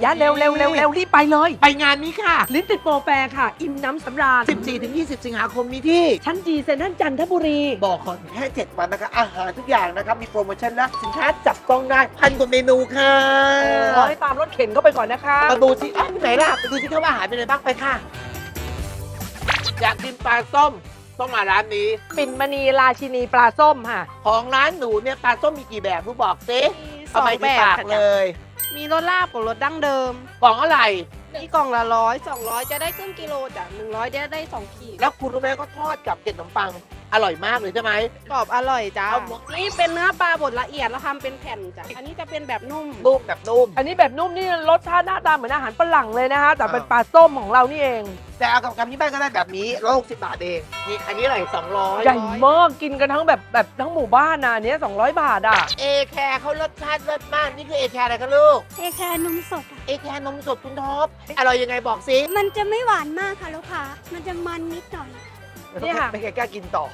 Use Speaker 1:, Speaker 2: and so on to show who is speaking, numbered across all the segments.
Speaker 1: ยะเร็วรีบไปเลย
Speaker 2: ไปงานนี้ค่ะ
Speaker 1: ลิ้นติดโปรแฟร์ค่ะ อิ่มน้ำสำราญ
Speaker 2: 14-20 สิงหาคมนี้ที่
Speaker 1: ชั้นจีเซ็นทรัลจันทบุรี
Speaker 2: บอกก่อนแค่ 7 วันนะคะอาหารทุกอย่างนะครับมีโปรโมชั่นและสินค้าจับต้องได้พันกว่าเมนูค่ะ
Speaker 1: รอให้ตามรถเข็นเข้าไปก่อนนะคะ
Speaker 2: มาดูสิไหนล่ะไปดูสิครับว่าอาหารเป็นอะไรบ้างไปค่ะ อยากกินปลาส้มต้องมาร้านนี้
Speaker 1: ปิ่นมณีราชินีปลาส้มค่ะ
Speaker 2: ของร้านหนูเนี่ยปลาส้มมีกี่แบบรู้บอกสิ
Speaker 3: มีส
Speaker 2: เอา
Speaker 3: อง
Speaker 2: ไป
Speaker 3: แบ
Speaker 2: ที่
Speaker 3: บ
Speaker 2: ปาก
Speaker 3: ค่ะ
Speaker 2: เลย
Speaker 3: มีรสลาบกับรสดั้งเดิม
Speaker 2: กล่องอะไร
Speaker 3: ที่กล่องละ100 200 จะได้ครึ่งกิโลจ้ะ100จะได้2 ขีด
Speaker 2: แล้วคุณรู้ไหมก็ทอดกับเกล็ดขนมปังอร่อยมากเลยใช่ไหม
Speaker 3: กรอบอร่อยจ้า
Speaker 2: เอาหมด
Speaker 3: นี่เป็นเนื้อปลาบดละเอียดแล้วทำเป็นแผ่นจ้ะอันนี้จะเป็นแบบนุ่ม
Speaker 2: นุ่มแบบนุ่ม
Speaker 1: อันนี้แบบนุ่มนี่รสชาติหน้าตาเหมือนอาหารฝรั่งเลยนะคะ แต่เป็นปลาส้มของเรานี่เอง
Speaker 2: แต่เอากับกำที่บ้านก็ได้แบบนี้160 บาทเองนี่อันนี้อะไร200
Speaker 1: ใหญ่มากกินกันทั้งแบบทั้งหมู่บ้านนะอันเนี้ย200 บาทอ่ะ
Speaker 2: เอแคร์เขารสชาติเลิศมากนี่คือเอแคร์อะไรคะลูก
Speaker 4: เอแคร์นมสดอะ
Speaker 2: เอแคร์นมสดคุณท็อปอร่อยยังไงบอกสิ
Speaker 4: มันจะไม่หวานมากค่ะลูกค้า มันจะมันนิดหน่อย
Speaker 1: นี่ค่ะ
Speaker 2: ไม่กล้ากินต่อ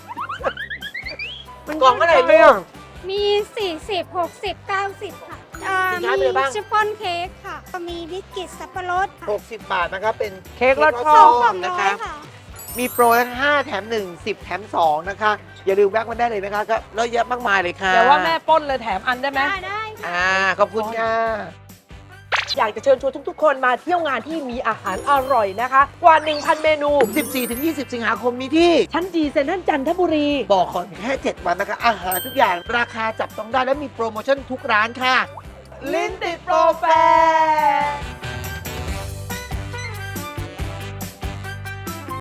Speaker 1: มัน
Speaker 2: กล่องอะไรเนี่ย
Speaker 4: มี 40 60 90 ค่ะ
Speaker 2: สินค้ามี
Speaker 4: มี
Speaker 2: อะไรบ้าง
Speaker 4: ชิฟฟ่อนเค้กค่ะ มีบิสกิตสับปะรดค่ะ
Speaker 2: 60 บาทนะครับเป็น
Speaker 1: เค้กรส
Speaker 2: เค้
Speaker 1: ช่
Speaker 2: ก
Speaker 1: อ
Speaker 2: ร
Speaker 1: ง
Speaker 2: ส
Speaker 4: สอง
Speaker 2: นะ
Speaker 4: ร้อ
Speaker 2: คะ
Speaker 4: ยค่ะ
Speaker 2: มีโปร5 แถม 1 10 แถม 2 นะคะ อย่าลืมแวะมาได้เลยนะคะก็เยอะแยะมากมายเลยค่ะ
Speaker 1: แต่ว่าแม่ป้นเลยแถมอันได้ไหม
Speaker 4: ได้ค่ะ
Speaker 2: ขอบคุณค่ะ
Speaker 1: อยากจะเชิญชวนทุกๆ คนมาเที่ยวงานที่มีอาหารอร่อยนะคะ กว่า 1,000 เมนู
Speaker 2: 14-20 สิงหาคมนี้ที่
Speaker 1: ชั้นจีเซ็นทรัลจันทบุรี
Speaker 2: บอกก่อนแค่ 7 วันนะคะอาหารทุกอย่างราคาจับต้องได้และมีโปรโมชั่นทุกร้านค่ะ
Speaker 1: ลิ้นติดโปรแฟร์